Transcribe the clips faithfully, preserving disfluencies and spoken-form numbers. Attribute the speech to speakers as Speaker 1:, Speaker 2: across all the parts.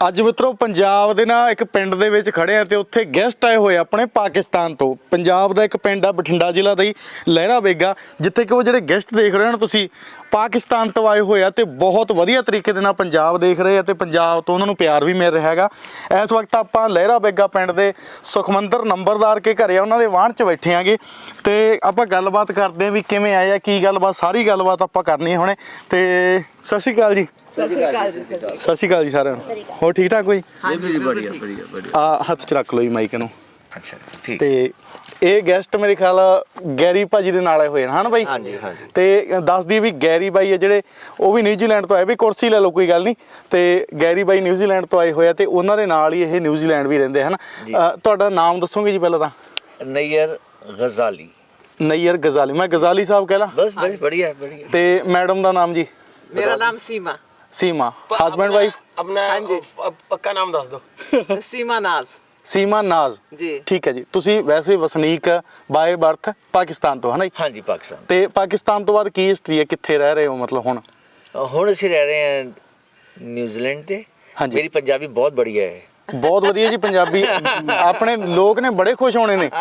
Speaker 1: ਅੱਜ ਮਿੱਤਰੋ ਪੰਜਾਬ ਦੇ ਨਾ ਇੱਕ ਪਿੰਡ ਦੇ ਵਿੱਚ ਖੜੇ ਆ ਤੇ ਉੱਥੇ ਗੈਸਟ ਆਏ ਹੋਏ ਆਪਣੇ ਪਾਕਿਸਤਾਨ ਤੋਂ। ਪੰਜਾਬ ਦਾ ਇੱਕ ਪਿੰਡ ਆ ਬਠਿੰਡਾ ਜ਼ਿਲ੍ਹਾ ਦਾ ਹੀ ਲਹਿਰਾ ਬੇਗਾ, ਜਿੱਥੇ ਕਿ ਉਹ ਜਿਹੜੇ ਗੈਸਟ ਦੇਖ ਰਹੇ ਹੋ ਨਾ ਤੁਸੀਂ ਪਾਕਿਸਤਾਨ ਤੋਂ ਆਏ ਹੋਏ ਆ ਤੇ ਬਹੁਤ ਵਧੀਆ ਤਰੀਕੇ ਦੇ ਨਾਲ ਪੰਜਾਬ ਦੇਖ ਰਹੇ ਆ ਤੇ ਪੰਜਾਬ ਤੋਂ ਉਹਨਾਂ ਨੂੰ ਪਿਆਰ ਵੀ ਮਿਲ ਰਿਹਾ ਹੈਗਾ। ਇਸ ਵਕਤ ਆਪਾਂ ਲਹਿਰਾ ਬੇਗਾ ਪਿੰਡ ਦੇ ਸੁਖਮੰਦਰ ਨੰਬਰਦਾਰ ਕੇ ਘਰੇ ਆ, ਉਹਨਾਂ ਦੇ ਵਾਹਣ 'ਚ ਬੈਠੇ ਆਂਗੇ ਤੇ ਆਪਾਂ ਗੱਲਬਾਤ ਕਰਦੇ ਆਂ ਵੀ ਕਿਵੇਂ ਆਏ ਆ, ਕੀ ਗੱਲਬਾਤ, ਸਾਰੀ ਗੱਲਬਾਤ ਆਪਾਂ ਕਰਨੀ ਹੈ ਹੁਣੇ। ਤੇ ਸਤਿ ਸ਼੍ਰੀ ਅਕਾਲ ਜੀ।
Speaker 2: ਸਤਿ ਸ਼੍ਰੀ ਅਕਾਲ ਜੀ।
Speaker 1: ਸਤਿ ਸ਼੍ਰੀ ਅਕਾਲ ਜੀ ਸਾਰਿਆਂ ਨੂੰ। ਹੋਰ ਠੀਕ ਠਾਕ ਕੋਈ?
Speaker 2: ਹਾਂਜੀ ਵਧੀਆ ਵਧੀਆ ਵਧੀਆ।
Speaker 1: ਆ ਹੱਥ 'ਚ ਰੱਖ ਲਓ ਜੀ ਮਾਈਕ ਨੂੰ।
Speaker 2: ਅੱਛਾ ਠੀਕ।
Speaker 1: ਤੇ ਇਹ ਗੈਸਟ ਮੇਰੇ ਖਿਆਲ ਗੈਰੀ ਭਾਜੀ ਦੇ ਨਾਲ ਆਏ ਹੋਏ ਨੇ ਹਨ ਬਾਈ?
Speaker 2: ਹਾਂਜੀ ਹਾਂਜੀ।
Speaker 1: ਤੇ ਦੱਸ ਦਈਏ ਵੀ ਗੈਰੀ ਬਾਈ ਆ ਜਿਹੜੇ ਉਹ ਵੀ ਨਿਊਜ਼ੀਲੈਂਡ ਤੋਂ ਆਏ, ਵੀ ਕੁਰਸੀ ਲੈ ਲਓ ਕੋਈ ਗੱਲ ਨਹੀਂ। ਤੇ ਗੈਰੀ ਬਾਈ ਨਿਊਜ਼ੀਲੈਂਡ ਤੋਂ ਆਏ ਹੋਏ ਆ ਤੇ ਉਹਨਾਂ ਦੇ ਨਾਲ ਹੀ ਇਹ ਨਿਊਜ਼ੀਲੈਂਡ ਵੀ ਰਹਿੰਦੇ ਹਨ। ਤੁਹਾਡਾ ਨਾਮ ਦੱਸੋਗੇ ਜੀ ਪਹਿਲਾਂ ਤਾਂ?
Speaker 2: ਨਈਅਰ ਗਜ਼ਾਲੀ।
Speaker 1: ਨਈਅਰ ਗਜ਼ਾਲੀ, ਮੈਂ ਗਜ਼ਾਲੀ ਸਾਹਿਬ ਕਹਿ ਲਾਂ?
Speaker 2: ਬਸ ਬਸ बढ़िया बढ़िया।
Speaker 1: ਤੇ ਮੈਡਮ ਦਾ ਨਾਮ ਜੀ?
Speaker 3: मेरा नाम सीमा।
Speaker 1: सीमा, हस्बैंड वाइफ?
Speaker 4: अपना पक्का नाम दस दो।
Speaker 3: सीमा नाज।
Speaker 1: सीमा नाज
Speaker 3: जी।
Speaker 1: ठीक है जी। ਤੁਸੀਂ ਵੈਸੇ ਵਸਨੀਕ ਬਾਏ ਬਰਥ ਪਾਕਿਸਤਾਨ ਤੋਂ ਹੈ ਨਾ ਜੀ?
Speaker 2: ਹਾਂਜੀ ਪਾਕਿਸਤਾਨ।
Speaker 1: ਤੇ ਪਾਕਿਸਤਾਨ ਤੋਂ ਬਾਅਦ ਕੀ ਹਿਸਟਰੀ ਹੈ, ਕਿੱਥੇ ਰਹਿ ਰਹੇ ਹੋ ਮਤਲਬ ਹੁਣ?
Speaker 2: ਹੁਣ ਅਸੀਂ ਰਹਿ ਰਹੇ ਹਾਂ ਨਿਊਜ਼ੀਲੈਂਡ ਤੇ।
Speaker 1: ਹਾਂਜੀ।
Speaker 2: ਮੇਰੀ ਪੰਜਾਬੀ ਬਹੁਤ ਬੜੀਆ ਹੈ।
Speaker 1: ਬਹੁਤ ਵਧੀਆ ਜੀ। ਪੰਜਾਬੀ ਆਪਣੇ ਲੋਕ ਨੇ ਬੜੇ ਖੁਸ਼ ਹੋਣੇ ਨੇ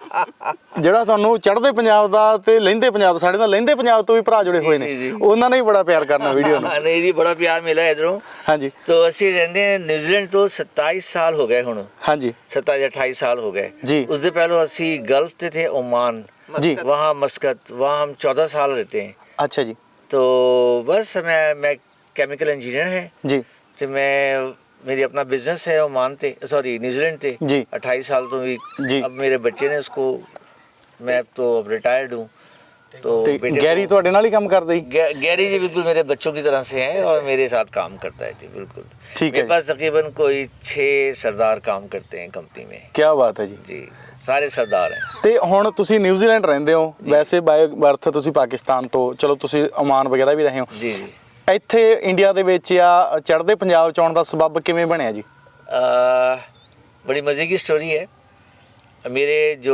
Speaker 1: ਜਿਹੜਾ ਤੁਹਾਨੂੰ ਚੜ੍ਹਦੇ ਪੰਜਾਬ ਦਾ ਤੇ ਲਹਿੰਦੇ ਪੰਜਾਬ ਦਾ, ਸਾਡੇ ਨਾਲ ਲਹਿੰਦੇ ਪੰਜਾਬ ਤੋਂ ਵੀ ਭਰਾ ਜੁੜੇ ਹੋਏ ਨੇ, ਉਹਨਾਂ ਨੇ ਵੀ ਬੜਾ ਪਿਆਰ ਕਰਨਾ ਵੀਡੀਓ ਨੂੰ।
Speaker 2: ਨਹੀਂ ਜੀ ਬੜਾ ਪਿਆਰ ਮਿਲਿਆ ਇਧਰੋਂ।
Speaker 1: ਹਾਂਜੀ।
Speaker 2: तो ਅਸੀਂ ਰਹਿੰਦੇ ਹਾਂ ਨਿਊਜ਼ੀਲੈਂਡ ਤੋਂ सत्ताईस साल हो गए ਹੁਣ।
Speaker 1: ਹਾਂਜੀ
Speaker 2: सत्ताईस अट्ठाईस साल हो गए
Speaker 1: जी।
Speaker 2: उससे पहले ਅਸੀਂ गल्फ ਤੇ थे ओमान
Speaker 1: जी।
Speaker 2: वहाँ मस्कत, वहाँ हम चौदह साल रहते हैं।
Speaker 1: ਅੱਛਾ ਜੀ।
Speaker 2: तो बस मैं मैं केमिकल इंजीनियर है
Speaker 1: ਜੀ
Speaker 2: तो मैं मेरी अपना बिजनेस है ओमान ते, सॉरी न्यूजीलैंड ते।
Speaker 1: जी।
Speaker 2: अट्ठाईस साल तो भी
Speaker 1: जी।
Speaker 2: अब मेरे बच्चे ने उसको, मैं तो अब रिटायर्ड हूँ तो
Speaker 1: ਤੇ
Speaker 2: बेटे
Speaker 1: ਗੈਰੀ ਤੁਹਾਡੇ ਨਾਲ ਹੀ ਕੰਮ ਕਰਦਾ ਜੀ?
Speaker 2: गे- गैरी जी बिल्कुल मेरे बच्चों की तरह से हैं और मेरे साथ काम करता है जी बिल्कुल।
Speaker 1: ठीक है।
Speaker 2: मेरे पास तकरीबन कोई छः सरदार काम करते हैं कंपनी में
Speaker 1: ਕੀ ਬਾਤ ਹੈ ਜੀ।
Speaker 2: जी, सारे सरदार हैं।
Speaker 1: ਤੇ ਹੁਣ ਤੁਸੀਂ ਨਿਊਜ਼ੀਲੈਂਡ ਰਹਿੰਦੇ ਹੋ, ਵੈਸੇ ਬਾਏ ਬਰਥ ਤੁਸੀਂ ਪਾਕਿਸਤਾਨ ਤੋਂ, ਚਲੋ ਤੁਸੀਂ ਓਮਾਨ ਵਗੈਰਾ ਵੀ ਰਹੇ ਹੋ।
Speaker 2: जी जी।
Speaker 1: ਇੱਥੇ ਇੰਡੀਆ ਦੇ ਵਿੱਚ ਆ ਚੜ੍ਹਦੇ ਪੰਜਾਬ ਚ ਆਉਣ ਦਾ ਸਬੱਬ ਕਿਵੇਂ ਬਣਿਆ ਜੀ?
Speaker 2: आ, बड़ी मज़े की स्टोरी है। मेरे जो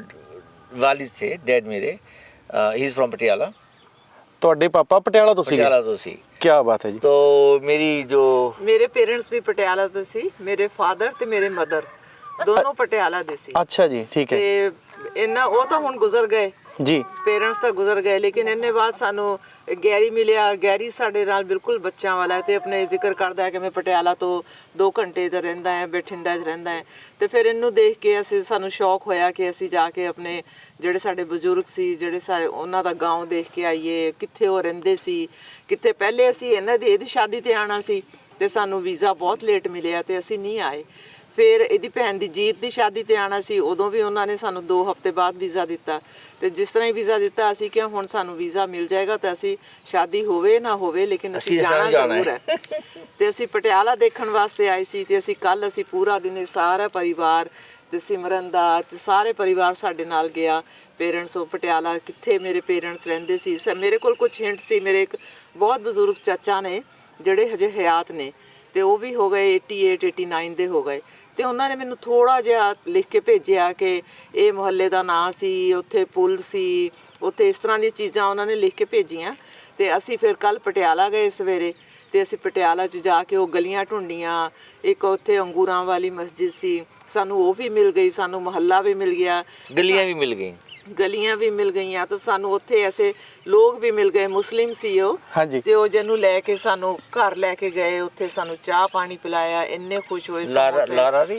Speaker 2: वालिद थे, डैड मेरे, ही इज़ फ्रॉम पटियाला।
Speaker 1: ਤੁਹਾਡੇ ਪਾਪਾ ਪਟਿਆਲਾ ਤੋਂ ਸੀਗੇ?
Speaker 2: पटियाला तो सी।
Speaker 1: ਕੀ ਬਾਤ ਹੈ ਜੀ।
Speaker 2: तो मेरी जो
Speaker 3: ਮੇਰੇ ਪੇਰੈਂਟਸ ਵੀ ਪਟਿਆਲਾ ਤੋਂ ਸੀ, ਮੇਰੇ ਫਾਦਰ ਤੇ ਮੇਰੇ ਮਦਰ ਦੋਨੋਂ ਪਟਿਆਲਾ ਦੇ ਸੀ।
Speaker 1: ਅੱਛਾ ਜੀ ਠੀਕ ਹੈ
Speaker 3: ਤੇ ਇਹਨਾਂ ਉਹ ਤਾਂ ਹੁਣ ਗੁਜ਼ਰ ਗਏ,
Speaker 1: ਜੀ।
Speaker 3: ਪੇਰੈਂਟਸ ਤਾਂ ਗੁਜ਼ਰ ਗਏ, ਲੇਕਿਨ ਇਹਨੇ ਬਾਅਦ ਸਾਨੂੰ ਗੈਰੀ ਮਿਲਿਆ। ਗੈਰੀ ਸਾਡੇ ਨਾਲ ਬਿਲਕੁਲ ਬੱਚਿਆਂ ਵਾਲਾ ਹੈ ਤੇ ਆਪਣੇ ਜ਼ਿਕਰ ਕਰਦਾ ਹੈ ਕਿ ਮੈਂ ਪਟਿਆਲਾ ਤੋਂ ਦੋ ਘੰਟੇ ਤੇ ਰਹਿੰਦਾ ਹੈ, ਬਠਿੰਡਾ 'ਚ ਰਹਿੰਦਾ ਹੈ। ਤੇ ਫਿਰ ਇਹਨੂੰ ਦੇਖ ਕੇ ਅਸੀਂ ਸਾਨੂੰ ਸ਼ੌਕ ਹੋਇਆ ਕਿ ਅਸੀਂ ਜਾ ਕੇ ਆਪਣੇ ਜਿਹੜੇ ਸਾਡੇ ਬਜ਼ੁਰਗ ਸੀ, ਜਿਹੜੇ ਸਾਰੇ ਉਹਨਾਂ ਦਾ ਗਾਂਵ ਦੇਖ ਕੇ ਆਈਏ, ਕਿੱਥੇ ਉਹ ਰਹਿੰਦੇ ਸੀ, ਕਿੱਥੇ ਪਹਿਲੇ ਅਸੀਂ ਇਹਨਾਂ ਦੀ ਇਹਦੀ ਸ਼ਾਦੀ ਤੇ ਆਉਣਾ ਸੀ ਤੇ ਸਾਨੂੰ ਵੀਜ਼ਾ ਬਹੁਤ ਲੇਟ ਮਿਲਿਆ ਤੇ ਅਸੀਂ ਨਹੀਂ ਆਏ। ਫਿਰ ਇਹਦੀ ਭੈਣ ਦੀ ਜੀਤ ਦੀ ਸ਼ਾਦੀ ਤੇ ਆਉਣਾ ਸੀ, ਉਦੋਂ ਵੀ ਉਹਨਾਂ ਨੇ ਸਾਨੂੰ ਦੋ ਹਫ਼ਤੇ ਬਾਅਦ ਵੀਜ਼ਾ ਦਿੱਤਾ। ਤੇ ਜਿਸ ਤਰ੍ਹਾਂ ਹੀ ਵੀਜ਼ਾ ਦਿੱਤਾ ਅਸੀਂ ਕਿਹਾ ਹੁਣ ਸਾਨੂੰ ਵੀਜ਼ਾ ਮਿਲ ਜਾਏਗਾ ਤਾਂ ਅਸੀਂ ਸ਼ਾਦੀ ਹੋਵੇ ਨਾ ਹੋਵੇ ਲੇਕਿਨ ਅਸੀਂ ਜਾਣਾ ਜ਼ਰੂਰ ਹੈ। ਤੇ ਅਸੀਂ ਪਟਿਆਲਾ ਦੇਖਣ ਵਾਸਤੇ ਆਏ ਸੀ ਤੇ ਅਸੀਂ ਕੱਲ ਅਸੀਂ ਪੂਰਾ ਦਿਨ ਸਾਰਾ ਪਰਿਵਾਰ ਤੇ ਸਿਮਰਨ ਦਾ ਤੇ ਸਾਰੇ ਪਰਿਵਾਰ ਸਾਡੇ ਨਾਲ ਗਿਆ। ਪੇਰੈਂਟਸ ਉਹ ਪਟਿਆਲਾ ਕਿੱਥੇ ਮੇਰੇ ਪੇਰੈਂਟਸ ਰਹਿੰਦੇ ਸੀ, ਮੇਰੇ ਕੋਲ ਕੁਝ ਹਿੰਟ ਸੀ। ਮੇਰੇ ਇੱਕ ਬਹੁਤ ਬਜ਼ੁਰਗ ਚਾਚਾ ਨੇ ਜਿਹੜੇ ਹਜੇ ਹਯਾਤ ਨੇ ਤੇ ਉਹ ਵੀ ਹੋ ਗਏ ਅਠਾਸੀ ਉਣਾਸੀ ਦੇ ਹੋ ਗਏ। ਤੇ ਉਹਨਾਂ ਨੇ ਮੈਨੂੰ ਥੋੜਾ ਜਿਹਾ ਲਿਖ ਕੇ ਭੇਜਿਆ ਕਿ ਇਹ ਮੁਹੱਲੇ ਦਾ ਨਾਂ ਸੀ, ਉੱਥੇ ਪੁਲ ਸੀ, ਉੱਥੇ ਇਸ ਤਰ੍ਹਾਂ ਦੀਆਂ ਚੀਜ਼ਾਂ ਉਹਨਾਂ ਨੇ ਲਿਖ ਕੇ ਭੇਜੀਆਂ। ਤੇ ਅਸੀਂ ਫਿਰ ਕੱਲ ਪਟਿਆਲਾ ਗਏ ਸਵੇਰੇ ਤੇ ਅਸੀਂ ਪਟਿਆਲਾ 'ਚ ਜਾ ਕੇ ਉਹ ਗਲੀਆਂ ਢੂੰਡੀਆਂ। ਇੱਕ ਉੱਥੇ ਅੰਗੂਰਾਂ ਵਾਲੀ ਮਸਜਿਦ ਸੀ, ਸਾਨੂੰ ਉਹ ਵੀ ਮਿਲ ਗਈ, ਸਾਨੂੰ ਮੁਹੱਲਾ ਵੀ ਮਿਲ ਗਿਆ,
Speaker 2: गलियाँ भी मिल गई।
Speaker 3: ਗਲੀਆਂ ਵੀ ਮਿਲ ਗਈਆਂ। ਤਾਂ ਸਾਨੂੰ ਉੱਥੇ ਐਸੇ ਲੋਕ ਵੀ ਮਿਲ ਗਏ, ਮੁਸਲਿਮ ਸੀ ਉਹ।
Speaker 1: ਹਾਂਜੀ।
Speaker 3: ਤੇ ਉਹ ਜਿਹਨੂੰ ਲੈ ਕੇ ਸਾਨੂੰ ਘਰ ਲੈ ਕੇ ਗਏ, ਉੱਥੇ ਸਾਨੂੰ ਚਾਹ ਪਾਣੀ ਪਿਲਾਇਆ, ਇੰਨੇ ਖੁਸ਼ ਹੋਏ।
Speaker 2: लारा लारा री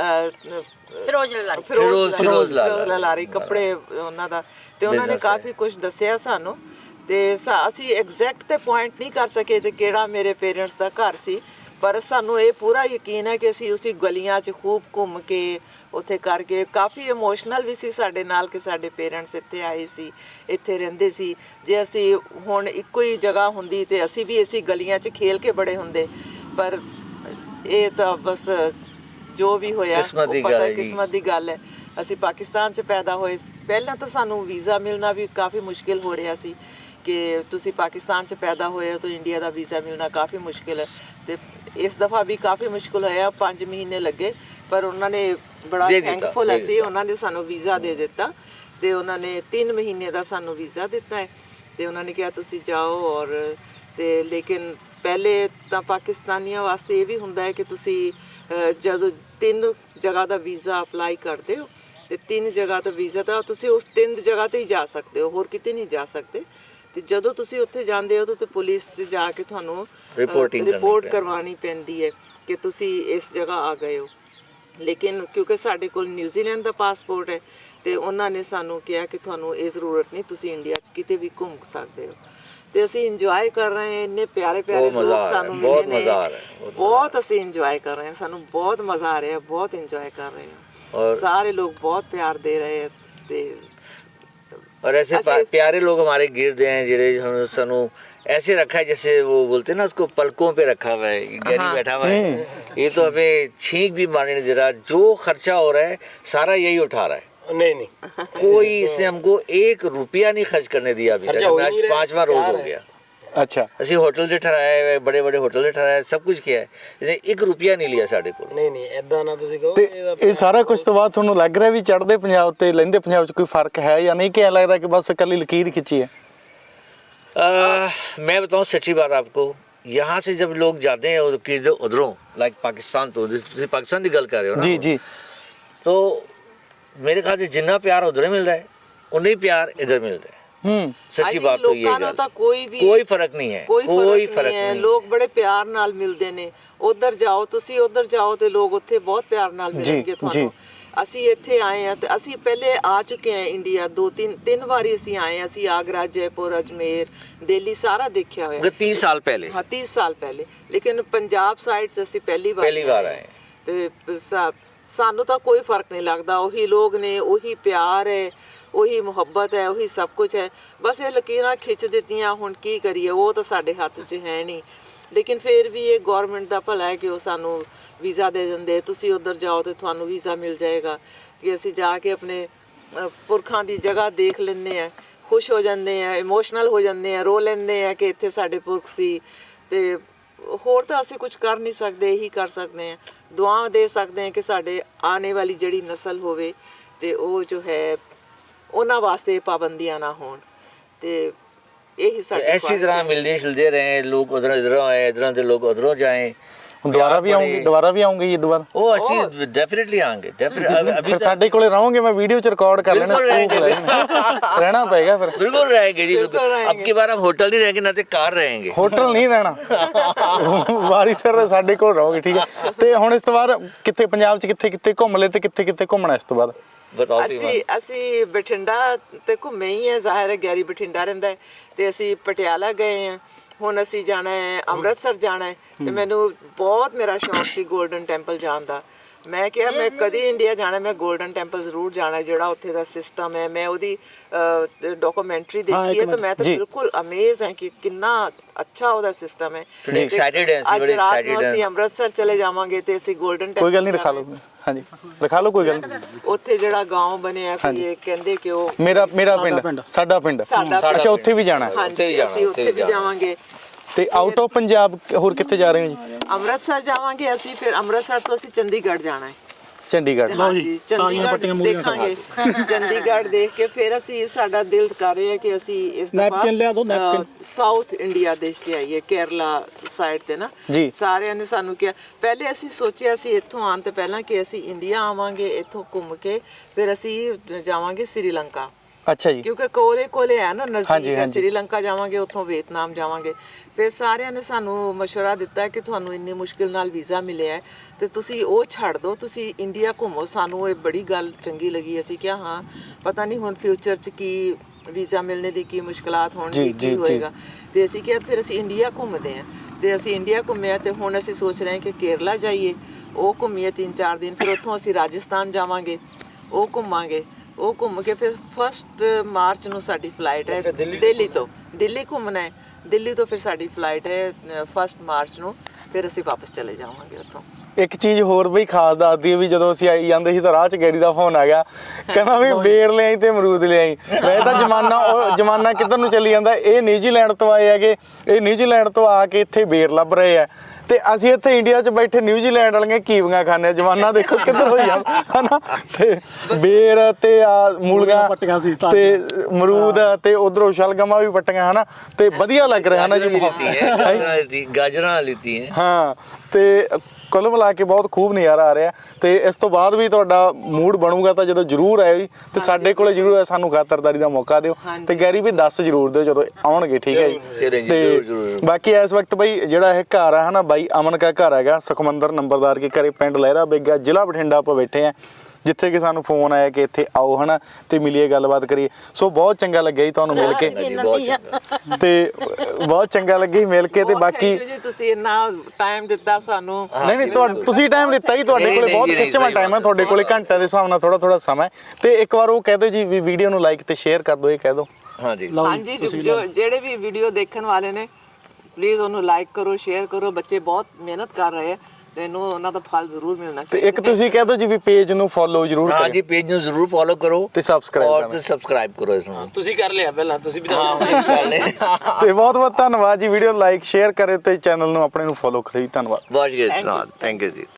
Speaker 3: ਫਿਰੋਜ਼ ਲਾਰੀ
Speaker 2: ਫਿਰੋਜ਼- ਫਿਰੋਜ਼
Speaker 3: ਲਾਰੀ ਕੱਪੜੇ ਉਹਨਾਂ ਦਾ। ਤੇ ਉਹਨਾਂ ਨੇ
Speaker 2: Business ਹੈ।
Speaker 3: ਕਾਫੀ ਕੁਝ ਦੱਸਿਆ ਸਾਨੂੰ ਤੇ ਸਾ- ਅਸੀਂ ਐਗਜ਼ੈਕਟ ਤੇ ਪੁਆਇੰਟ ਨਹੀਂ ਕਰ ਸਕੇ ਤੇ ਕਿਹੜਾ ਮੇਰੇ ਪੇਰੈਂਟਸ ਦਾ ਘਰ ਸੀ, ਪਰ ਸਾਨੂੰ ਇਹ ਪੂਰਾ ਯਕੀਨ ਹੈ ਕਿ ਅਸੀਂ ਉਸੇ ਗਲੀਆਂ 'ਚ ਖੂਬ ਘੁੰਮ ਕੇ ਉੱਥੇ ਕਰਕੇ ਕਾਫੀ ਇਮੋਸ਼ਨਲ ਵੀ ਸੀ ਸਾਡੇ ਨਾਲ ਕਿ ਸਾਡੇ ਪੇਰੈਂਟਸ ਇੱਥੇ ਆਏ ਸੀ, ਇੱਥੇ ਰਹਿੰਦੇ ਸੀ। ਜੇ ਅਸੀਂ ਹੁਣ ਇੱਕੋ ਹੀ ਜਗ੍ਹਾ ਹੁੰਦੀ ਤੇ ਅਸੀਂ ਵੀ ਇਸੇ ਗਲੀਆਂ 'ਚ ਖੇਲ ਕੇ ਬੜੇ ਹੁੰਦੇ, ਪਰ ਇਹ ਤਾਂ ਬਸ ਜੋ ਵੀ ਹੋਇਆ
Speaker 2: ਕਿਸਮਤ ਦੀ
Speaker 3: ਉਹ ਪਤਾ
Speaker 2: ਗੱਲ ਹੈ ਜੀ।
Speaker 3: ਕਿਸਮਤ ਦੀ ਗੱਲ ਹੈ। ਅਸੀਂ ਪਾਕਿਸਤਾਨ 'ਚ ਪੈਦਾ ਹੋਏ। ਪਹਿਲਾਂ ਤਾਂ ਸਾਨੂੰ ਵੀਜ਼ਾ ਮਿਲਣਾ ਵੀ ਕਾਫੀ ਮੁਸ਼ਕਿਲ ਹੋ ਰਿਹਾ ਸੀ ਕਿ ਤੁਸੀਂ ਪਾਕਿਸਤਾਨ 'ਚ ਪੈਦਾ ਹੋਏ ਹੋ ਤਾਂ ਇੰਡੀਆ ਦਾ ਵੀਜ਼ਾ ਮਿਲਣਾ ਕਾਫੀ ਮੁਸ਼ਕਿਲ ਹੈ। ਤੇ ਇਸ ਦਫਾ ਵੀ ਕਾਫੀ ਮੁਸ਼ਕਿਲ ਹੋਇਆ, ਪੰਜ ਮਹੀਨੇ ਲੱਗੇ, ਪਰ ਉਹਨਾਂ ਨੇ ਬੜਾ
Speaker 2: ਦੇ ਦਿੱਤਾ,
Speaker 3: ਥੈਂਕਫੁਲ
Speaker 2: ਦੇ
Speaker 3: ਅਸੀਂ, ਉਹਨਾਂ ਨੇ ਸਾਨੂੰ ਵੀਜ਼ਾ ਦੇ ਦਿੱਤਾ ਤੇ ਉਹਨਾਂ ਨੇ ਤਿੰਨ ਮਹੀਨੇ ਦਾ ਸਾਨੂੰ ਵੀਜ਼ਾ ਦਿੱਤਾ ਹੈ। ਤੇ ਉਹਨਾਂ ਨੇ ਕਿਹਾ ਤੁਸੀਂ ਜਾਓ। ਔਰ ਤੇ ਲੇਕਿਨ ਪਹਿਲੇ ਤਾਂ ਪਾਕਿਸਤਾਨੀਆਂ ਵਾਸਤੇ ਇਹ ਵੀ ਹੁੰਦਾ ਹੈ ਕਿ ਤੁਸੀਂ ਅਹ, ਜਦੋਂ ਤਿੰਨ ਜਗ੍ਹਾ ਦਾ ਵੀਜ਼ਾ ਅਪਲਾਈ ਕਰਦੇ ਹੋ ਤੇ ਤਿੰਨ ਜਗ੍ਹਾ ਦਾ ਵੀਜ਼ਾ ਤਾਂ ਤੁਸੀਂ ਉਸ ਤਿੰਨ ਜਗ੍ਹਾ ਤੇ ਹੀ ਜਾ ਸਕਦੇ ਹੋ, ਹੋਰ ਕਿਤੇ ਨਹੀਂ ਜਾ ਸਕਦੇ। ਤੇ ਜਦੋਂ ਤੁਸੀਂ ਉੱਥੇ ਜਾਂਦੇ ਹੋ ਤਾਂ ਪੁਲਿਸ 'ਚ ਜਾ ਕੇ ਤੁਹਾਨੂੰ
Speaker 2: Reporting ਕਰਨੀ
Speaker 3: ਰਿਪੋਰਟ
Speaker 2: ਪੈਂਦੀ।
Speaker 3: ਕਰਵਾਉਣੀ ਪੈਂਦੀ ਹੈ ਕਿ ਤੁਸੀਂ ਇਸ ਜਗ੍ਹਾ ਆ ਗਏ ਹੋ। ਲੇਕਿਨ ਕਿਉਂਕਿ ਸਾਡੇ ਕੋਲ ਨਿਊਜ਼ੀਲੈਂਡ ਦਾ ਪਾਸਪੋਰਟ ਹੈ ਤੇ ਉਹਨਾਂ ਨੇ ਸਾਨੂੰ ਕਿਹਾ ਕਿ ਤੁਹਾਨੂੰ ਇਹ ਜ਼ਰੂਰਤ ਨਹੀਂ, ਤੁਸੀਂ ਇੰਡੀਆ 'ਚ ਕਿਤੇ ਵੀ ਘੁੰਮ ਸਕਦੇ ਹੋ। ਤੇ ਅਸੀਂ ਇੰਜੋਏ ਕਰ ਰਹੇ ਹਾਂ, ਇੰਨੇ ਪਿਆਰੇ ਪਿਆਰੇ
Speaker 2: ਬਹੁਤ ਮਜ਼ਾ ਆ
Speaker 3: ਲੋਕ
Speaker 2: ਰਿਹਾ,
Speaker 3: ਸਾਨੂੰ
Speaker 2: ਬਹੁਤ
Speaker 3: ਮਿਲੇ ਨੇ,
Speaker 2: ਮਜ਼ਾ ਆ ਰਿਹਾ, ਬਹੁਤ
Speaker 3: ਬਹੁਤ ਅਸੀਂ ਇੰਜੋਏ ਕਰ ਰਹੇ ਹਾਂ, ਸਾਨੂੰ ਬਹੁਤ ਮਜ਼ਾ ਆ ਰਿਹਾ, ਬਹੁਤ ਇੰਜੋਏ ਕਰ ਰਹੇ ਹਾਂ।
Speaker 2: और-
Speaker 3: ਸਾਰੇ ਲੋਕ ਬਹੁਤ ਪਿਆਰ ਦੇ ਰਹੇ ਆ ਤੇ
Speaker 2: और ऐसे
Speaker 3: ऐसे-
Speaker 2: पा- प्यारे लोग हमारे गिरद हैं जिन्हें हम सनु ऐसे रखा है जैसे वो बोलते हैं ना उसको पलकों पे रखा हुआ है, गैरी बैठा हुआ है। ये तो हमें छींक भी मारने नहीं दे रहा, जो खर्चा हो रहा है सारा यही उठा रहा है।
Speaker 4: नहीं नहीं
Speaker 2: कोई इसने हमको एक रुपया नहीं खर्च करने दिया अभी
Speaker 4: खर्चा
Speaker 2: तक।
Speaker 4: हो ही
Speaker 2: हमें
Speaker 4: नहीं
Speaker 2: आज
Speaker 4: रहा है,
Speaker 2: पांचवा रोज
Speaker 4: प्यार
Speaker 2: हो
Speaker 4: है।
Speaker 2: गया।
Speaker 1: ਅੱਛਾ
Speaker 2: ਅਸੀਂ ਹੋਟਲ ਤੇ ਠਹਿਰਾਏ, ਬੜੇ ਬੜੇ ਹੋਟਲ ਤੇ ਠਹਿਰਾਏ, ਸਭ ਕੁਝ ਕਿਹਾ ਹੈ, ਇਹਨੇ ਇੱਕ ਰੁਪਿਆ ਨਹੀਂ ਲਿਆ ਸਾਡੇ ਕੋਲ।
Speaker 4: नहीं नहीं ऐदा ना तुसी कहो
Speaker 1: ਤੇ
Speaker 4: ਇਹਦਾ
Speaker 1: ਇਹ ਸਾਰਾ ਕੁਝ ਤੋਂ ਬਾਅਦ ਤੁਹਾਨੂੰ ਲੱਗ ਰਿਹਾ ਵੀ ਚੜ੍ਹਦੇ ਪੰਜਾਬ ਤੇ ਲਹਿੰਦੇ ਪੰਜਾਬ 'ਚ ਕੋਈ ਫਰਕ ਹੈ ਜਾਂ ਨਹੀਂ, ਕਿ ਐਂ ਲੱਗਦਾ ਕਿ ਬਸ ਇਕੱਲੀ ਲਕੀਰ ਖਿੱਚੀ ਹੈ?
Speaker 2: आ, मैं बताऊं सच्ची बात आपको, यहाँ से जब लोग जाते हैं कि जो उधरों लाइक पाकिस्तान तो तुम पाकिस्तान की गल कर रहे हो ना,
Speaker 1: ਜੀ ਜੀ
Speaker 2: तो मेरे ख्याल से जिन्ना प्यार उधर मिलता है उन्ना ही प्यार इधर मिलता है।
Speaker 1: ਹੂੰ
Speaker 2: सच्ची
Speaker 3: ਅੱਜ
Speaker 2: बात तो ये
Speaker 3: ਲੋਕਾਂ ਨੂੰ
Speaker 2: गल
Speaker 3: ਤਾਂ ਕੋਈ ਵੀ
Speaker 2: कोई फर्क नहीं है,
Speaker 3: ਕੋਈ
Speaker 2: कोई
Speaker 3: ਫਰਕ
Speaker 2: फर्क
Speaker 3: ਨਹੀਂ ਹੈ।
Speaker 2: नहीं।
Speaker 3: ਲੋਕ ਬੜੇ ਪਿਆਰ ਨਾਲ ਮਿਲਦੇ ਨੇ। ਉਧਰ ਜਾਓ, ਤੁਸੀਂ ਉਧਰ ਜਾਓ ਤੇ ਲੋਕ ਉੱਥੇ ਬਹੁਤ ਪਿਆਰ ਨਾਲ ਮਿਲਣਗੇ ਤੁਹਾਨੂੰ। ਅਸੀਂ ਇੱਥੇ ਆਏ ਆ ਤੇ ਅਸੀਂ ਪਹਿਲੇ ਆ ਚੁੱਕੇ ਆ ਇੰਡੀਆ, ਦੋ ਤਿੰਨ ਤਿੰਨ ਵਾਰੀ ਅਸੀਂ ਆਏ ਹਾਂ। ਅਸੀਂ ਆਗਰਾ, ਜੈਪੁਰ, ਅਜਮੇਰ, ਦਿੱਲੀ ਸਾਰਾ ਦੇਖਿਆ ਹੋਇਆ।
Speaker 2: अगर तीस साल पहले
Speaker 3: ਹਾਂ तीस ਸਾਲ ਪਹਿਲੇ। ਲੇਕਿन ਪੰਜਾਬ ਸਾਈਡ 'ਚ ਅਸੀਂ ਪਹਿਲੀ ਵਾਰ
Speaker 2: पहली बार आए।
Speaker 3: ਤੇ ਸਾ- ਸਾਨੂੰ ਤਾਂ ਕੋਈ ਫਰਕ ਨਹੀਂ ਲੱਗਦਾ। ਉਹੀ ਲੋਕ ਨੇ, ਉਹੀ ਪਿਆਰ ਹੈ, ਉਹੀ ਮੁਹੱਬਤ ਹੈ, ਉਹੀ ਸਭ ਕੁਝ ਹੈ। ਬਸ ਇਹ ਲਕੀਰਾਂ ਖਿੱਚ ਦਿੱਤੀਆਂ, ਹੁਣ ਕੀ ਕਰੀਏ, ਉਹ ਤਾਂ ਸਾਡੇ ਹੱਥ 'ਚ ਹੈ ਨਹੀਂ। ਲੇਕਿਨ ਫਿਰ ਵੀ ਇਹ ਗਵਰਨਮੈਂਟ ਦਾ ਭਲਾ ਹੈ ਕਿ ਉਹ ਸਾਨੂੰ ਵੀਜ਼ਾ ਦੇ ਦਿੰਦੇ, ਤੁਸੀਂ ਉੱਧਰ ਜਾਓ ਤੇ ਤੁਹਾਨੂੰ ਵੀਜ਼ਾ ਮਿਲ ਜਾਏਗਾ। ਕਿ ਅਸੀਂ ਜਾ ਕੇ ਆਪਣੇ ਅ, ਪੁਰਖਾਂ ਦੀ ਜਗ੍ਹਾ ਦੇਖ ਲੈਂਦੇ ਆ, ਖੁਸ਼ ਹੋ ਜਾਂਦੇ ਆ, ਇਮੋਸ਼ਨਲ ਹੋ ਜਾਂਦੇ ਆ, ਰੋ ਲੈਂਦੇ ਆ ਕਿ ਇੱਥੇ ਸਾਡੇ ਪੁਰਖ ਸੀ। ਤੇ ਹੋਰ ਤਾਂ ਅਸੀਂ ਕੁਝ ਕਰ ਨਹੀਂ ਸਕਦੇ, ਇਹੀ ਕਰ ਸਕਦੇ ਹਾਂ, ਦੁਆ ਦੇ ਸਕਦੇ ਹਾਂ ਕਿ ਸਾਡੇ ਆਉਣੇ ਵਾਲੀ ਜਿਹੜੀ ਨਸਲ ਹੋਵੇ ਤੇ ਉਹ ਜੋ ਹੈ ਉਹਨਾਂ ਵਾਸਤੇ ਪਾਬੰਦੀਆਂ ਨਾ ਹੋਣ। ਤੇ ਇਹੀ ਸਾਡੀ
Speaker 2: ऐसी
Speaker 3: ख्वाहिश
Speaker 2: तरह
Speaker 3: है।
Speaker 2: मिलते जुलते रहे, लोग उधर इधरों आए, इधरों से लोग उधरों जाएं।
Speaker 1: ਹੁਣ ਦੁਬਾਰਾ ਵੀ ਆਉਂਗੇ, ਦੁਬਾਰਾ ਵੀ ਆਉਂਗੇ ਜੀ ਦੁਬਾਰਾ?
Speaker 2: ओ अच्छी डेफिनेटली आएंगे डेफिनेटली। अभी
Speaker 1: ਫਿਰ ਸਾਡੇ ਕੋਲੇ ਰਹੋਗੇ, ਮੈਂ ਵੀਡੀਓ 'ਚ ਰਿਕਾਰਡ ਕਰ ਲੈਣਾ,
Speaker 2: ਬਿਲਕੁਲ
Speaker 1: proof ਲੈ ਲੈਣਾ। ਰਹਿਣਾ ਪਏਗਾ ਫਿਰ।
Speaker 2: बिल्कुल रहेंगे जी,
Speaker 3: बिल्कुल
Speaker 2: बिल्कुल।
Speaker 3: रहेंगे।
Speaker 2: अब की बार हम होटल नहीं रहेंगे ना तो कार रहेंगे।
Speaker 1: ਹੋਟਲ ਨਹੀਂ ਰਹਿਣਾ, ਵਾਰੀ ਸਰ ਸਾਡੇ ਕੋਲ ਰਹੋਗੇ, ਠੀਕ ਹੈ। ਤੇ ਹੁਣ ਇਸ ਤੋਂ ਬਾਅਦ ਕਿੱਥੇ ਪੰਜਾਬ 'ਚ ਕਿੱਥੇ ਕਿੱਥੇ ਘੁੰਮ ਲਏ ਤੇ ਕਿੱਥੇ ਕਿੱਥੇ ਘੁੰਮਣਾ ਇਸ ਤੋਂ ਬਾਅਦ?
Speaker 2: बताओ सी
Speaker 3: ਅਸੀਂ ਅਸੀਂ ਬਠਿੰਡਾ ਤੇ ਘੁੰਮੇ ਹੀ ਹੈ। ਜ਼ਾਹਿਰ ਹੈ ਗੈਰੀ ਬਠਿੰਡਾ ਰਹਿੰਦਾ ਹੈ ਤੇ ਅਸੀਂ ਪਟਿਆਲਾ ਗਏ ਹਾਂ। ਹੁਣ ਅਸੀਂ ਜਾਣਾ ਹੈ ਅੰਮ੍ਰਿਤਸਰ ਜਾਣਾ ਹੈ ਤੇ ਮੈਨੂੰ ਬਹੁਤ ਮੇਰਾ ਸ਼ੌਕ ਸੀ ਗੋਲਡਨ ਟੈਂਪਲ ਜਾਣ ਦਾ। ਮੈਂ ਕਿਹਾ ਮੈਂ ਕਦੀ ਇੰਡੀਆ ਜਾਣਾ, ਮੈਂ ਗੋਲਡਨ ਟੈਂਪਲ ਜ਼ਰੂਰ ਜਾਣਾ। ਜਿਹੜਾ ਉੱਥੇ ਦਾ ਸਿਸਟਮ ਹੈ, ਮੈਂ ਉਹਦੀ ਡਾਕੂਮੈਂਟਰੀ ਦੇਖੀ ਹੈ ਤਾਂ ਮੈਂ ਤਾਂ
Speaker 1: ਜੀ।
Speaker 3: ਬਿਲਕੁਲ ਅਮੇਜ਼ ਹਾਂ ਕਿ ਕਿੰਨਾ ਅੱਛਾ ਉਹਦਾ ਸਿਸਟਮ ਹੈ।
Speaker 2: ਜੀ, excited ਹਾਂ ਅਸੀਂ,
Speaker 3: ਅੱਜ
Speaker 2: ਬੜੇ
Speaker 3: ਰਾਤ
Speaker 2: excited
Speaker 3: ਨੂੰ ਅਸੀਂ
Speaker 2: ਹਾਂ।
Speaker 3: ਅੰਮ੍ਰਿਤਸਰ ਚਲੇ ਜਾਵਾਂਗੇ ਤੇ ਅਸੀਂ ਗੋਲਡਨ ਟੈਂਪਲ
Speaker 1: ਕੋਈ ਗੱਲ ਨਹੀਂ, ਰਖਾ ਲਓ। ਹਾਂਜੀ ਰਖਾ ਲਓ, ਕੋਈ ਗੱਲ ਨਹੀਂ।
Speaker 3: ਉੱਥੇ ਜਿਹੜਾ گاؤں ਬਣਿਆ ਕਿ ਇਹ ਕਹਿੰਦੇ ਕਿ ਉਹ
Speaker 1: ਮੇਰਾ ਮੇਰਾ ਪਿੰਡ, ਸਾਡਾ ਪਿੰਡ।
Speaker 3: ਸਾਡਾ
Speaker 1: ਅੱਛਾ, ਉੱਥੇ ਵੀ ਜਾਣਾ ਹੈ।
Speaker 2: ਉੱਥੇ ਵੀ
Speaker 3: ਹਾਂਜੀ
Speaker 2: ਜਾਣਾ,
Speaker 3: ਅਸੀਂ
Speaker 2: ਉੱਥੇ
Speaker 3: ਉੱਥੇ
Speaker 2: ਵੀ
Speaker 3: ਵੀ ਜਾਵਾਂਗੇ।
Speaker 1: ਤੇ ਆਊਟ ਆਫ ਪੰਜਾਬ ਹੋਰ ਕਿੱਥੇ ਜਾ ਰਹੇ ਹੋ ਜੀ?
Speaker 3: ਅੰਮ੍ਰਿਤਸਰ ਜਾਵਾਂਗੇ ਅਸੀਂ, ਫਿਰ ਅੰਮ੍ਰਿਤਸਰ ਤੋਂ ਅਸੀਂ ਚੰਡੀਗੜ੍ਹ ਜਾਣਾ ਹੈ।
Speaker 1: ਚੰਡੀਗੜ੍ਹ।
Speaker 3: ਹਾਂਜੀ ਚੰਡੀਗੜ੍ਹ ਦੇਖਾਂਗੇ। ਚੰਡੀਗੜ੍ਹ ਦੇਖ ਕੇ ਫਿਰ ਅਸੀਂ, ਸਾਡਾ ਦਿਲ ਕਰ ਰਿਹਾ ਕਿ ਅਸੀਂ ਇਸ ਦਫਾ ਸਾਊਥ ਇੰਡੀਆ ਦੇਖ ਕੇ ਆਈਏ, ਕੇਰਲਾ ਸਾਈਡ ਤੇ ਨਾ।
Speaker 1: ਜੀ।
Speaker 3: ਸਾਰਿਆਂ ਨੇ ਸਾਨੂੰ ਕਿਹਾ, ਪਹਿਲੇ ਅਸੀਂ ਸੋਚਿਆ ਸੀ ਇੱਥੋਂ ਆਉਣ ਤੋਂ ਪਹਿਲਾਂ ਕਿ ਅਸੀਂ ਇੰਡੀਆ ਆਵਾਂਗੇ, ਇੱਥੋਂ ਘੁੰਮ ਕੇ ਫਿਰ ਅਸੀਂ ਜਾਵਾਂਗੇ ਸ੍ਰੀਲੰਕਾ।
Speaker 1: ਅੱਛਾ ਜੀ।
Speaker 3: ਕਿਉਂਕਿ ਕੋਲੇ ਕੋਲੇ ਹੈ ਨਾ,
Speaker 1: ਹਾਂਜੀ,
Speaker 3: ਨਜ਼ਦੀਕ ਹੈ।
Speaker 1: ਹਾਂਜੀ।
Speaker 3: ਸ੍ਰੀਲੰਕਾ ਜਾਵਾਂਗੇ, ਉੱਥੋਂ ਵੀਅਤਨਾਮ ਜਾਵਾਂਗੇ। ਫਿਰ ਸਾਰਿਆਂ ਨੇ ਸਾਨੂੰ ਮਸ਼ਵਰਾ ਦਿੱਤਾ ਕਿ ਤੁਹਾਨੂੰ ਇੰਨੀ ਮੁਸ਼ਕਿਲ ਨਾਲ ਵੀਜ਼ਾ ਮਿਲਿਆ ਹੈ ਤੇ ਤੁਸੀਂ ਉਹ ਛੱਡ ਦਿਓ, ਤੁਸੀਂ ਇੰਡੀਆ ਘੁੰਮੋ। ਸਾਨੂੰ ਇਹ ਬੜੀ ਗੱਲ ਚੰਗੀ ਲੱਗੀ। ਅਸੀਂ ਕਿਹਾ ਹਾਂ, ਪਤਾ ਨਹੀਂ ਹੁਣ ਫਿਊਚਰ 'ਚ ਕੀ ਵੀਜ਼ਾ ਮਿਲਣੇ ਦੀ ਕੀ ਮੁਸ਼ਕਲਾਤ ਹੋਣਗੀ,
Speaker 1: ਜੀ,
Speaker 3: ਕੀ
Speaker 1: ਜੀ।
Speaker 3: ਹੋਏਗਾ। ਤੇ ਅਸੀਂ ਕਿਹਾ ਫਿਰ ਅਸੀਂ ਇੰਡੀਆ ਘੁੰਮਦੇ ਹਾਂ। ਤੇ ਅਸੀਂ ਇੰਡੀਆ ਘੁੰਮਿਆ ਤੇ ਹੁਣ ਅਸੀਂ ਸੋਚ ਰਹੇ ਹਾਂ ਕਿ ਕੇਰਲਾ ਜਾਈਏ, ਉਹ ਘੁੰਮੀਏ ਤਿੰਨ ਚਾਰ ਦਿਨ। ਫਿਰ ਉੱਥੋਂ ਅਸੀਂ ਰਾਜਸਥਾਨ ਜਾਵਾਂਗੇ, ਉਹ ਘੁੰਮਾਂਗੇ। ਉਹ ਘੁੰਮ ਕੇ ਫਿਰ ਫਸਟ ਮਾਰਚ ਨੂੰ ਸਾਡੀ ਫਲਾਈਟ ਹੈ ਦਿੱਲੀ ਤੋਂ। ਦਿੱਲੀ ਘੁੰਮਣਾ ਹੈ, ਦਿੱਲੀ ਤੋਂ ਫਿਰ ਸਾਡੀ ਫਲਾਈਟ ਹੈ ਫਸਟ ਮਾਰਚ ਨੂੰ। ਫਿਰ ਅਸੀਂ ਵਾਪਸ ਚਲੇ ਜਾਵਾਂਗੇ ਉੱਥੋਂ।
Speaker 1: ਇੱਕ ਚੀਜ਼ ਹੋਰ ਬਈ ਖਾਸ ਦੱਸਦੀ ਹੈ ਵੀ ਜਦੋਂ ਅਸੀਂ ਆਈ ਜਾਂਦੇ ਸੀ ਤਾਂ ਰਾਹ 'ਚ ਗੈਰੀ ਦਾ ਫੋਨ ਆ ਗਿਆ, ਕਹਿੰਦਾ ਵੀ ਬੇਰ ਲਿਆਈ ਤੇ ਅਮਰੂਦ ਲਿਆਈ। ਵੈਸੇ ਤਾਂ ਜ਼ਮਾਨਾ ਉਹ ਜ਼ਮਾਨਾ ਕਿੱਧਰ ਨੂੰ ਚੱਲੀ ਜਾਂਦਾ। ਇਹ ਨਿਊਜ਼ੀਲੈਂਡ ਤੋਂ ਆਏ ਹੈਗੇ, ਇਹ ਨਿਊਜ਼ੀਲੈਂਡ ਤੋਂ ਆ ਕੇ ਇੱਥੇ ਬੇਰ ਲੱਭ ਰਹੇ ਆ ਤੇ ਅਸੀਂ ਇੱਥੇ ਇੰਡੀਆ 'ਚ ਬੈਠੇ ਨਿਊਜ਼ੀਲੈਂਡ ਵਾਲੀਆਂ ਕੀਵੀਆਂ ਖਾਂਦੇ ਹਾਂ। ਜਮਾਨਾ ਦੇਖੋ ਕਿੱਧਰ ਹੋਈ ਜਾਂਦਾ ਹਨਾ। ਤੇ ਬੇਰ ਤੇ ਆ ਮੂਲੀਆਂ
Speaker 4: ਪੱਟੀਆਂ ਸੀ ਤਾਂ।
Speaker 1: ਤੇ ਅਮਰੂਦ ਤੇ ਉਧਰੋਂ ਸ਼ਲਗਮਾਂ ਵੀ ਪੱਟੀਆਂ ਹਨਾ। ਤੇ ਵਧੀਆ ਲੱਗ ਰਿਹਾ ਨਾ ਜੀ
Speaker 2: लेती है गाजरा लेती गाजरा लेती है।
Speaker 1: ਹਾਂ ਤੇ ਕੁੱਲ ਮਿਲਾ ਕੇ ਬਹੁਤ ਖੂਬ ਨਜ਼ਾਰਾ ਆ ਰਿਹਾ। ਤੇ ਇਸ ਤੋਂ ਬਾਅਦ ਵੀ ਤੁਹਾਡਾ ਮੂਡ ਬਣੂਗਾ ਤਾਂ ਜਦੋਂ ਜ਼ਰੂਰ ਆਇਓ ਜੀ ਤੇ ਸਾਡੇ ਕੋਲੇ ਜ਼ਰੂਰ ਆਇਓ, ਸਾਨੂੰ ਖਾਤਰਦਾਰੀ ਦਾ ਮੌਕਾ ਦਿਓ ਤੇ ਗੈਰੀ ਵੀ ਦੱਸ ਜ਼ਰੂਰ ਦਿਓ ਜਦੋਂ ਆਉਣਗੇ, ਠੀਕ ਹੈ
Speaker 2: ਜ਼ਰੂਰ,
Speaker 1: ਜੀ।
Speaker 2: ਜ਼ਰੂਰ, ਜ਼ਰੂਰ।
Speaker 1: ਤੇ ਬਾਕੀ ਇਸ ਵਕਤ ਬਈ ਜਿਹੜਾ ਇਹ ਘਰ ਆ ਹਨਾ ਬਾਈ ਅਮਨ ਕਾ ਘਰ ਹੈਗਾ, ਸੁਖਮੰਦਰ ਨੰਬਰਦਾਰ ਕੇ ਘਰੇ, ਪਿੰਡ ਲਹਿਰਾ ਬੇਗਾ, ਜ਼ਿਲ੍ਹਾ ਬਠਿੰਡਾ ਆਪਾਂ ਬੈਠੇ ਆ, ਜਿੱਥੇ ਕਿ ਸਾਨੂੰ ਫੋਨ ਆਇਆ ਕਿ ਇੱਥੇ ਆਓ ਹਨਾ ਤੇ ਮਿਲੀਏ, ਗੱਲਬਾਤ ਕਰੀਏ। ਸੋ ਬਹੁਤ ਚੰਗਾ ਲੱਗਿਆ ਜੀ ਤੁਹਾਨੂੰ ਮਿਲ ਕੇ ਤੇ ਬਹੁਤ ਚੰਗਾ ਲੱਗਿਆ ਜੀ ਮਿਲ ਕੇ। ਤੇ ਬਾਕੀ
Speaker 3: Thank you ਜੀ, ਤੁਸੀਂ ਇੰਨਾ ਟਾਈਮ ਦਿੱਤਾ ਸਾਨੂੰ।
Speaker 1: ਨਹੀਂ ਨਹੀਂ ਤੁਹਾ- ਤੁਸੀਂ ਟਾਈਮ ਦਿੱਤਾ ਜੀ, ਤੁਹਾਡੇ
Speaker 2: ਨਹੀਂ,
Speaker 1: ਕੋਲੇ
Speaker 2: ਨਹੀਂ
Speaker 1: ਬਹੁਤ
Speaker 2: ਜੀ, ਨਹੀਂ,
Speaker 1: ਖਿੱਚਵਾਂ
Speaker 2: ਸਹੀ
Speaker 1: ਟਾਈਮ ਹੈ,
Speaker 2: ਬਾਤ
Speaker 1: ਤੁਹਾਡੇ ਕੋਲੇ ਘੰਟੇ ਦੇ ਹਿਸਾਬ ਨਾਲ ਥੋੜਾ ਥੋੜਾ ਸਮਾਂ ਹੈ। ਤੇ ਇੱਕ ਵਾਰ ਉਹ ਕਹਿ ਦਿਓ ਜੀ ਵੀ ਵੀਡੀਓ ਨੂੰ ਲਾਈਕ ਤੇ ਸ਼ੇਅਰ ਕਰ ਦਿਓ, ਇਹ ਕਹਿ ਦਿਓ।
Speaker 2: हाँ जी
Speaker 3: ਹਾਂਜੀ ਜੋ ਜੋ- ਜਿਹੜੇ ਵੀ ਵੀਡੀਓ ਦੇਖਣ ਵਾਲੇ ਨੇ ਪਲੀਜ਼ ਉਹਨੂੰ ਲਾਈਕ ਕਰੋ, ਸ਼ੇਅਰ ਕਰੋ। ਬੱਚੇ ਬਹੁਤ ਮਿਹਨਤ ਕਰ ਰਹੇ ਆ ਤੇ ਇਹਨੂੰ ਉਹਨਾਂ ਦਾ ਫਲ ਜ਼ਰੂਰ ਮਿਲਣਾ
Speaker 1: ਤੇ
Speaker 3: ਚਾਹੀਦਾ।
Speaker 1: ਇੱਕ ਤੁਸੀਂ ਕਹਿ ਦਿਓ ਜੀ ਵੀ ਪੇਜ ਨੂੰ ਫੋਲੋ ਜ਼ਰੂਰ
Speaker 2: हाँ
Speaker 1: ਕਰਿਓ
Speaker 2: जी पेज ਨੂੰ ਜ਼ਰੂਰ ਫੋਲੋ ਕਰੋ
Speaker 1: ਤੇ ਸਬਸਕ੍ਰਾਈਬ
Speaker 2: और
Speaker 1: ਕਰਨਾ।
Speaker 2: ਸਬਸਕ੍ਰਾਈਬ ਕਰੋ ਇਸ ਨੂੰ।
Speaker 4: ਤੁਸੀਂ ਕਰ ਲਿਆ ਪਹਿਲਾਂ, ਤੁਸੀਂ ਵੀ ਤਾਂ
Speaker 2: ਹਾਂ ਜੀ ਕਰ ਲੈ
Speaker 1: ਤੇ ਬਹੁਤ ਬਹੁਤ ਧੰਨਵਾਦ ਜੀ, ਵੀਡੀਓ ਲਾਈਕ ਸ਼ੇਅਰ ਕਰੇ ਤੇ ਚੈਨਲ ਨੂੰ ਆਪਣੇ ਨੂੰ ਫੋਲੋ ਕਰੇ ਜੀ। ਧੰਨਵਾਦ।
Speaker 2: ਬਹੁਤ ਬਹੁਤ ਧੰਨਵਾਦ, ਥੈਂਕ ਯੂ ਜੀ।